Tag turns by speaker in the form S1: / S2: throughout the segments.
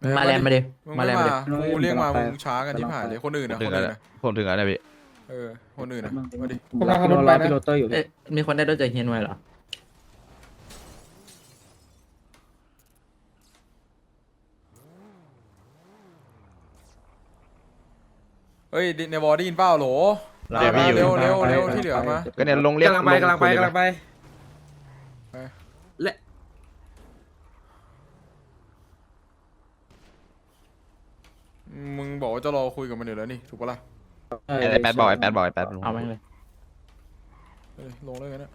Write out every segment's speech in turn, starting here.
S1: มาแลนมาดิ
S2: มึง
S1: มา
S2: ไม่
S1: แลนมาดิ
S2: กูเรียกมามึงช้ากันที่ผ่านเลยคนอื่นนะ
S3: ถึ
S2: ค
S3: ง
S2: น
S3: แล้ว
S2: อื่นนะ
S3: ผมถึงแล้วพี่
S2: คนอื่นนะมาดิ
S4: ผมรอรถไปนะพี่โรเตอร์อยู่
S1: เอ๊ะมีคนได้ด้วยจากเฮียนไว้เหรอ
S2: เฮ้ยในวอร์ได้ยินเปล่าโหล
S3: เดี๋ยวพี่อยู่
S2: เร็วที่เหลือมา
S3: ก็เนี่ยลงเรียก
S5: กำลังไป
S3: ลงคนเลยนะ
S2: มึงบอกว่าจะรอคุยกับมันอยู่แล้วนี่ถูกปะล่ะ
S3: ไอ้แปดบอกไอ้แปดบอกไอ้แปด
S1: เอาแม่งเลย
S2: ลงเลยกันนะ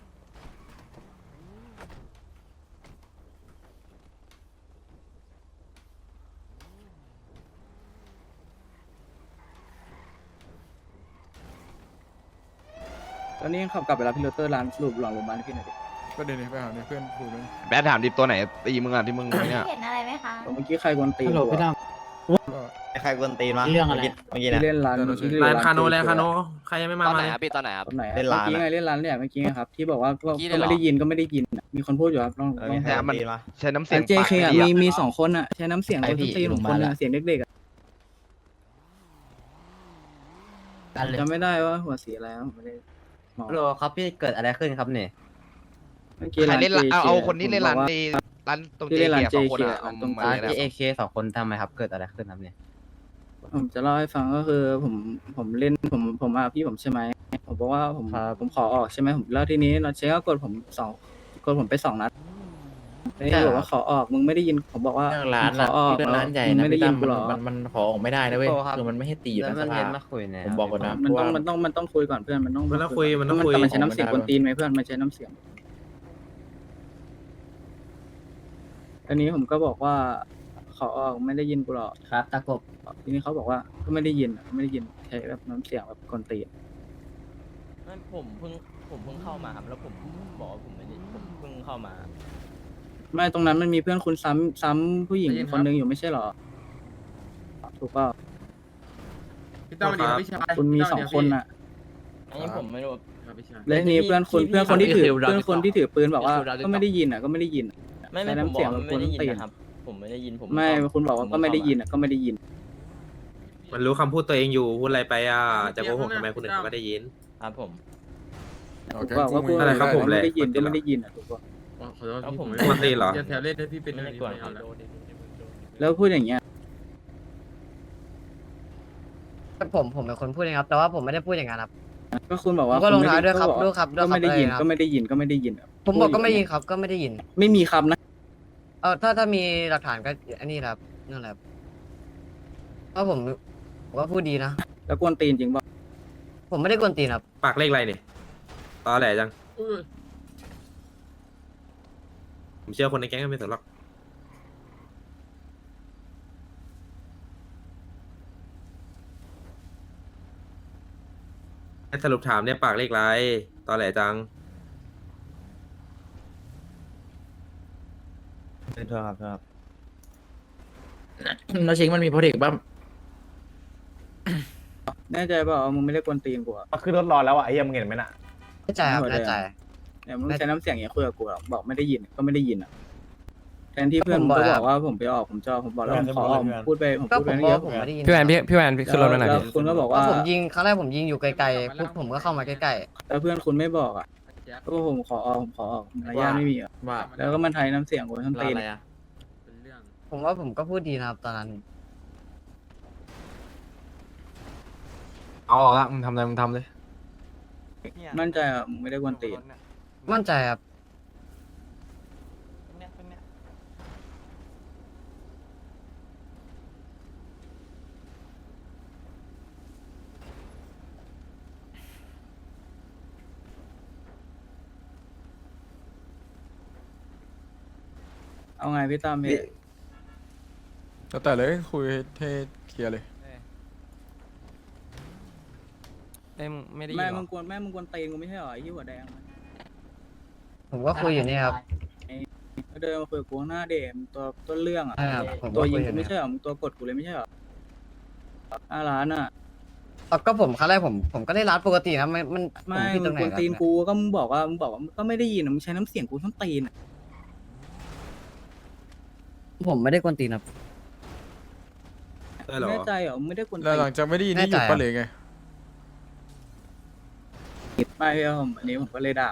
S4: ตอนนี้ขับกลับไปรับพี่โรเตอร์ร้านสรุปหลังโรงพยาบาลพี่หน่อยดิ
S2: ก็เดี๋ยวนี้ไปหาเนี่ยเพื่อนคุยเลย
S3: แปดถามดิตัวไหนตีมึงอ่ะที่มึงเนี่ย
S6: เห็นอะไรไหมคะ
S4: เมื่อกี้ใครกวนตีน
S1: ฮัลโหลพี่ด
S7: ใครกวนตีนวะ
S1: เรื่องอะไร
S7: เมื่อกี้
S4: ที่
S7: นะ
S4: เล่นร้านที่
S5: ร้านคาโน
S4: JK
S5: แล้วคาโนใครยังไม่มา
S7: ตอนไหน
S5: เลย
S7: ครับพี่ตอนไหนครับ
S4: ตอนไหนอะ
S7: เล่น
S4: เมื่
S7: ร้า
S4: อน กี้
S7: อะ
S4: ไงเล่นร้านเนี่ยเมื่อกี้ไงครับที่บอกว่าก็
S7: เมื่อกี้เลยเหรอ
S4: ไม่ได้ยินก็ไม่ได้ยินอะมีคนพูดอยู่ครับลอง
S7: ใครกวนตีนวะ
S3: ใช้น้ำเสีย
S4: ร้าง น JK อ่ะมีสองคนอ่ะใช้น้ำเสียง
S7: ไอ้
S4: คน
S7: พี่
S4: ตีนของคน
S7: โรงพยาบาล
S4: อะ
S7: อะ
S4: เสียงเด็กๆอะ
S1: กันเลย
S4: จำไม่ได้ว่าหัวสีอะไรผมไม่ได้มอง
S7: โลครับพี่เกิดอะไรขึ้นครับเนี่ย
S4: เมื่อกี้
S3: ใคร
S4: ร้าน
S3: เล่น
S4: JK
S3: เอาคนที่เล่นร้าน
S4: ผมบอก
S3: ใน
S4: ว่า
S3: ร้านตรง
S4: ที่
S3: เจ
S4: เล่นร้าน
S3: เกียร์สองคน
S4: JK
S3: อะเอา
S4: ตรง
S3: มา
S7: ร้าน
S3: เลย
S7: ที่เอ
S3: นะ
S7: เคสองคนทำไมครับเกิดอะไรขึ้นครับเนี่ย
S4: ผมจะเล่าให้ฟังก็คือผมเล่นผมมาพี่ผมใช่ไหมผมบอกว่าผมขอออกใช่ไหมผมแล้วทีนี้เราเช็คก็กดผมไป2 นัดแล้วที่บอกว่าขอออกมึงไม่ได้ยินผมบอกว่า
S1: เรื่องร้าน
S4: ขอ
S1: อะ
S4: ออก
S1: เรื่องร้านใหญ่
S4: มึง
S1: นะ
S4: ไม่ได้
S1: พี่
S4: ยิ
S1: ตั้
S4: น
S1: ม
S4: กูหรอ
S1: มันขอออกไม่ได้นะเว้ยคือมันไม่ให้ตีอยู่
S7: แล้ว
S1: ในส
S7: มัน
S1: ภา
S7: เรียนมาคุยเนี่ย
S1: ผมบอกก่อนนะ
S4: มันต้อง
S1: ว่า
S4: มันต้องคุยก่อนเพื่อนมันต้อง
S5: มันต้องคุยมันต้องคุย
S4: แต่มันใช้น้ำเสียงกวนตีนไหมเพื่อนมันใช้น้ำเสียงอันนี้ผมก็บอกว่า ขอออกไม่ได้ยินกูหรอก
S7: ครับตะกบ
S4: ทีนี้เขาบอกว่าก็ไม่ได้ยินไม่ได้ยินใช้แบบน้ำเสียงแบบกวนตีน
S8: ผมเพิ่งเข้ามาครับแล้วผมบอกว่าผมไม่ได้ผมเพิ่งเข้ามา
S4: ไม่ตรงนั้นมันมีเพื่อนคุณซ้ำผู้หญิงคนนึงอยู่ไม่ใช่หรอถูกเปล่า
S5: พี่ต้อมดีพี่ชาย
S4: คุณมี2 คนอ่ะ
S8: อันนี้ผมไม่รู้
S4: แล้วทีนี้เพื่อนคนที่ถือ
S1: พี่คิวเรา
S4: เพื่อนคนที่ถือปืนบอกว่า
S8: พี่คิวเรา
S4: ก็ไม่ได้ยินอ่ะก็ไม่ได้ยินอะ
S8: ไม่
S4: ใช้
S8: ผม
S4: น้ำ
S8: บ
S4: เสี
S8: อย ก
S4: ง
S8: ว่า
S4: แบบ
S8: ไม่ได้ยิน
S4: กวนตีน
S8: นะครับ ผมไม่ได้ยินผม
S4: ไม่คุณบอกว่าก็ไม่ได้ยินอ่ะก็ไม่ได้ยิน
S5: มันรู้คำพูดตัวเองอยู่พูดอะไรไปอ่ะจะโกหกทำไมคนอื่นเขาก็ได้ยิน
S8: ครับผม
S2: โอเค
S4: บอกว่าพูด
S5: อะไรครับผม
S4: ไม่ได้ยิน
S5: แหละ
S4: ก็ไม่ได้ยินอ่ะถูกป่ะ
S8: แล้วผม
S5: กวนตีนเหรอ
S8: แถวเล่นให้พี่เป็นไม่กวนครับ
S4: แล้วพูดอย่างเงี้ย
S7: ผมเป็นคนพูดเองครับแต่ว่าผมไม่ได้พูดอย่างนั้นครับ
S4: ก็คุณบอกว่า
S7: ผมก็ลงท้ายด้วยครับ
S4: ณไม่
S7: ด้วยครับด้วย
S4: ก็
S7: ครับ
S4: ไม่ได้ยิน
S7: เลยครับ
S4: ก็ไม่ได้ยินก็ไม่ได้ยินอะ
S7: ผมบอกก็ไม่ยินครับก็ไม่ได้ยิน
S4: ไม่มีคำนะ
S7: ถ้ามีหลักฐานก็อันนี้แหละครับนั่นแหละครับเพราะผมว่าพูดดีนะ
S4: แล้วกวนตีนจริงป่ะ
S7: ผมไม่ได้กวนตีนครับ
S5: ปากเลขอะไรเนี่ยตอแหลจังผมเชื่อคนในแก๊งก็ไม่สนหรอกให้สรุปถามเนี่ยปากเลขอะไรตอแหลจัง
S7: โทษครับโทษครับ
S1: แล้วเช็คมันมีโปรเทคบ้าง
S4: แน่ใจเปล่าว่ามึงไม่ได้กวนตีนกูอะ
S7: ขึ้นรถรอแล้วอ่ะไอ้ยังเห็นไหมน่ะแน่ใจครับแน่ใจ
S4: เนี่ยมึงใช้น้ำเสียงอย่างเงี้ยคุยกับกูอะบอกไม่ได้ยินก็ไม่ได้ยินอ่ะแทนที่เพื่อน
S7: ผม
S4: มึง
S7: บอก
S4: ก็
S7: แล้ว
S4: บอกว่าผมไปออกผมจะออกผมบอกแล้วผมขอออกผมพูดไปผม
S7: ก็
S4: พูด
S7: ผ
S4: ไป
S7: ม
S4: เย
S7: บอก
S4: อะ
S7: ผมไม่ได้ยิน
S9: พี่แวนพี่แวนพี่ขึ้นรถมาหน่อย
S4: แล้ว
S9: พี่
S4: คุณก็บอก
S7: ว่า
S4: ว่า
S7: ผมยิงครั้งแรกผมยิงอยู่ไกลๆปุ๊บผมก็เข้ามาใกล้
S4: แล้วเพื่อนคุณไม่บอกอ่ะก็ผมขอออกผมขอออกมารยาทไม่มีอ่ะ
S1: ว่า
S4: แล้วก็มันไทยน้ำเสียงกูทั้ง
S1: ร้าน
S4: ตีน
S1: อะไรอะ
S7: ๆผมว่าผมก็พูดดีนะครับตอนนั้น
S9: เอาออกละมึงทำอะไรมึงทำเลย
S4: มั่นใจอ่ะมึงไม่ได้กวนตีน
S7: มั่นใจครับ
S4: เอาไงพี่ตั้มพี่
S2: แล้วแต่เลยคุยให้เคลียร์เลย
S9: ไม่ได้ยิน
S4: แม่
S9: หร
S4: มึ
S9: อง
S4: กวนตีนกูไม่ใช่เหรอไอ้ที่หัวแดง
S7: ผมก็คุยอยู่นี่ครับ
S4: เดินมาคุยกับกูหน้าเดมตัวต้นเรื่องอ่ะ
S7: ใช่ครับผม
S4: ตัว
S7: ก็
S4: ยิ
S7: คุ
S4: ง
S7: ยอ
S4: กู
S7: ยู่
S4: ไม่
S7: นี่
S4: ใช่เหรอมึงตัวกดกูเลยไม่ใช่เหรอร้านอ่ะ
S7: ก็ผมครั้งแรกผมก็ได้รับปกตินะมันผ
S4: ไม่
S7: ผิด
S4: มึ
S7: ตรง งไหน
S4: กวน
S7: ครับ
S4: ตีนกูก็มึงบอกว่าก็ไม่ได้ยินอ่ะมึงใช้น้ำเสียงกูทั้งตีนอ่ะ
S7: ผมไม่ได้กวนตีนครับ
S5: ได้เหรอ
S4: แน่ใจเหรอไม่ได้กวน
S2: แล้วหลังจากไม่ได้ยินนี่หยุดปะเลยไง
S4: ไม่พี่ผมอันนี้ผมก็เลยด่า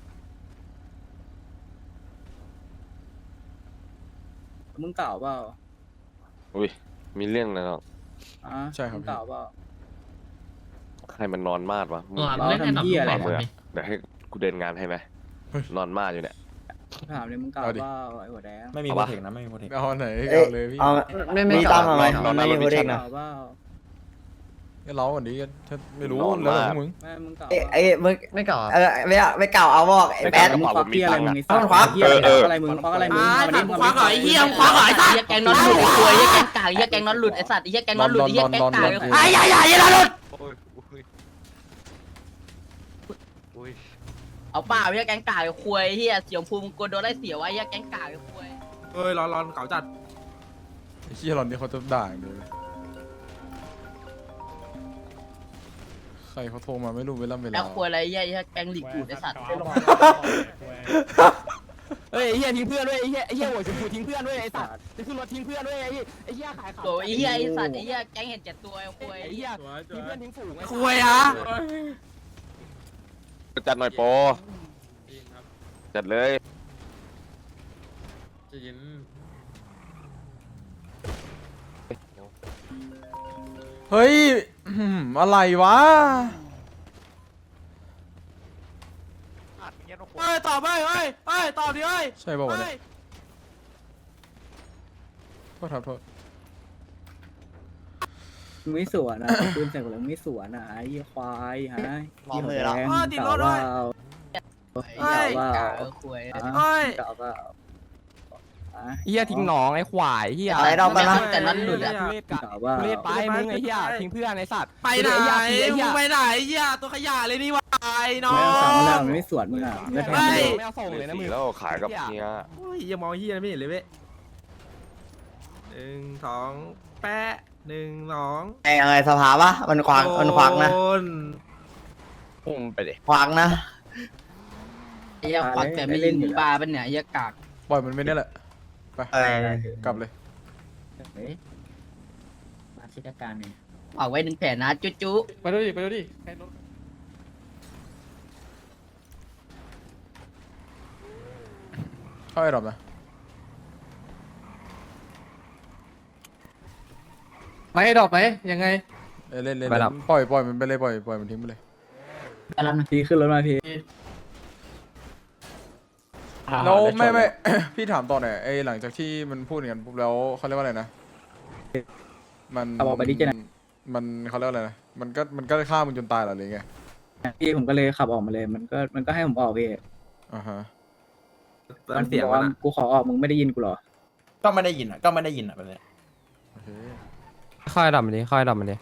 S4: มึงเก่าเปล่า
S6: อุ้ยมีเรื่องอะไรหรอ
S4: อ่ะ
S2: ใช่ครับ
S4: มึงเก่าเปล่า
S6: ใครมันนอนมาดวะมึง
S4: เราทำเหี้ยอะไร
S6: เมื่อเดี๋ยวให้กูเดินงานให้ไหมนอนมาดอยู่เนี่ย
S4: ถามเลยมึงเก่า
S2: เอาดิ
S4: เปล่าไอ้หัวแดง
S9: ไม่มีโปรเทคนะไม่มีโปรเทค
S2: เอาไหนเอาเลยพี่
S7: ไม่กลับ
S6: นอนรถวิชั่น
S4: เก่าเปล่า
S2: ก็เล้าก่อนดิถ้าไม่รู้
S6: นอน
S2: แล้วแต่
S6: มาก
S2: พวกมึง
S4: ไม่มึงเก่า
S10: เอ้ยมึง
S7: ไม่กลับ
S10: ไม่เก่าเอาบอกไอ้แบด
S4: มึงควักเหี้ยอะไรมึงไอ้สัตว์
S10: ควัก
S4: เหี้ยอะไรมึงควักอะไรมึงวันนี้มึงควักเหรอไอ้เหี้ย
S1: คว้าหอยสัตว์แกงนอนหลุดไอ้ควยแกงกากแกงนอนหลุดไอ้สัตว์ไอ้แกงนอนหลุดไอ้แกงกากไอ้อย่าหลุด เอาเปล่าไอ้แกงกากไอ้ควยเฮียเสียงภูมิกลัวโดนไล่เสียไว้ไอ้แกงกากไอ้ควย
S5: เฮ้ยร้อนเก่าจัด
S2: ไอ้เหี้ยหลอนนี่เขาจะด่าอย่างเดียวเลยใครเขาโทรมาไม่รู้เวลา
S1: แล้วควยอะไรเฮียแกงหลีกดูดไอ้สัตว์
S8: เฮ้ยไอ้เหี้ยทิ้งเพื่อนด้วยไอ้เหี้ยหัวชมพูทิ้งเพื่อนด้วยไอ้สัตว์จะขึ้นรถทิ้งเพื่อนด้วยไอ้เหี้ยขายของ
S1: โอ้ยไอ้เฮียไอ้สัตว์ไอ้เฮียแกงเห็นเจ็ดตัวไอ้ควย
S8: ไอ้เหี้ยทิ้งเพื่อนทิ้งฝูงไอ้
S1: ควยอ่ะ
S6: จัดหน่อยโปจัดเลย
S2: เฮ้ยอะไรวะ
S5: เฮ้ยตอบไปเฮ้ยตอบดิเฮ้ย
S2: ใช่ป่าวะเนี่ยโทษครับโทษ
S4: มึงไม่สวนนะปืนใส่กูแล้วมึงไม่สวนนะไอ้เหี้ยควายฮะไอ้หัวแดง
S5: ติด
S4: เก่าร
S5: ถ
S4: เป
S5: ด้วย
S4: ล่าเก่าเปล่า
S1: ควย
S4: เก่าเปล่า
S8: เหี้ยทิ้งหนองไอ้ควายเหี้ย
S10: อะไรดอกมาละ
S1: แต่นั้นหลุดอ่ะ
S8: ทุเรศกะ
S4: เก่าเปล่า
S8: ทุเรศไปมึงไอ้เหี้ยทิ้งเพื่อนไอ้สัตว์
S5: ไปไหน
S8: ไอ้เหี้ย
S5: มึงไปไหนเหี้ยตัวขยะเลยนี่วะไอ้น้อ
S4: ไม่เอาสั่ง
S5: ง
S4: แล้วมันไม่สวนมึงอ่ะมึงก็แทง
S5: เฮ้
S4: เลย ย
S8: ไม่เอาส่งเลยนะมึง
S6: แล้วขายกับเนี้ย
S5: โอ้ยยังมองเหี้ยไม่เห็นเลยเว้ย1 2แปะ1 2
S10: ไอ้อะไรสภาวะมันขวางนะ
S5: โดน
S6: พุ่งไปดิ
S10: ขวางนะ
S1: ไอ้เฮียควักแต่ไม่ยิงปลาเป็นเนี่ยไอ้เฮียกาก
S2: ปล่อยมันไปเนี่ยแหละไป
S10: เออ
S2: กลับเลย
S1: มาชิดการเนี่ยเอาไว้1 แผ่นนะจุ๊จุ๊
S9: ไปดูดิไปดูดิ
S2: เข้าไอ้ดอกนะ
S9: ไปดอกไปยังไง
S2: เล่นปล่อยมันไปเลยปล่อยมันทิ้งไปเลย
S1: แล้วนะ
S4: พี่ขึ้นรถมาพี่
S2: แล้วไม่ พี่ถามต่อหน่อยไอ้หลังจากที่มันพูดอย่างนั้นปุ๊บแล้วเขาเรียกว่าอะไรนะมันมันเขาเรียกว่าอะไรนะมันก็ฆ่ามึงจนตายเหรอหรือไง
S4: พี่ผมก็เลยขับออกมาเลยมันก็ให้ผมออกพี่
S2: อ่าฮะ
S4: มัน
S5: เสียง
S4: บอก
S5: มั
S4: ว่าน
S5: อะ
S4: กูขอออกมึงไม่ได้ยินกูหรอ
S9: ก็ไม่ได้ยินอ่ะแบบนี้
S2: โอเค
S8: ค่อยดับมันดิค่อยดับมันดิ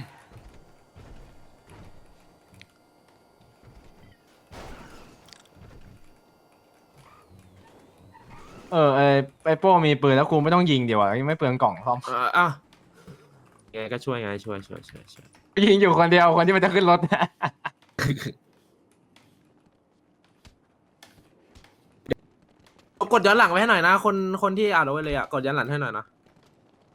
S9: ไอโป้มีปืนแล้วกูไม่ต้องยิงเดี๋ยวยังไม่เปลืองกล่องซ่อม
S5: อ่ะไงก็ช่วยไงช่วย
S9: ยิงอยู่คนเดียวคนที่มันจะขึ้นรถ
S5: กดย้อนหลังไว้ให้หน่อยนะ คนที่อ่านเอาไว้เลยอ่ะกดย้อนหลังให้หน่อยนะ